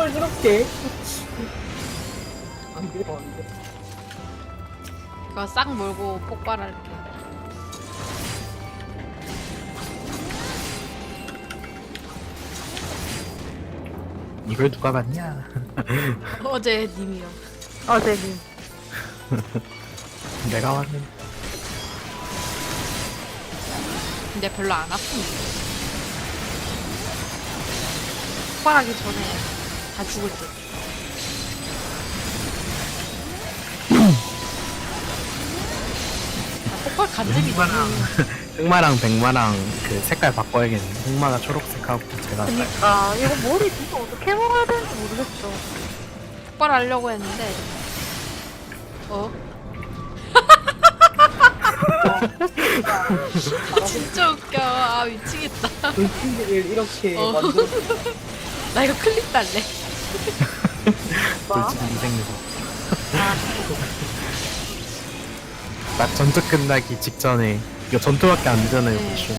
이렇게. 안 돼, 안 돼. 그거 싹 몰고 폭발할게. 이걸 누가 봤냐? 어제 님이요. 어제님. 내가 왔는데. 근데 별로 안 아픕니다. 폭발하기 전에 다 죽을 듯. 아, 폭발 간증이 너무. 흑마랑 백마랑 그 색깔 바꿔야겠네. 흑마가 초록색하고 제가 그니까 이거 머리 진짜 어떻게 먹어야 되는지 모르겠어. 폭발하려고 했는데. 어? 진짜 웃겨. 아 미치겠다. 돌진들을 이렇게 어. 만들어. 나 이거 클립 달래. 뭐? 돌진 인생에서. 나 전투 끝나기 직전에 이거 전투밖에 안 되잖아요. 네. 보시면.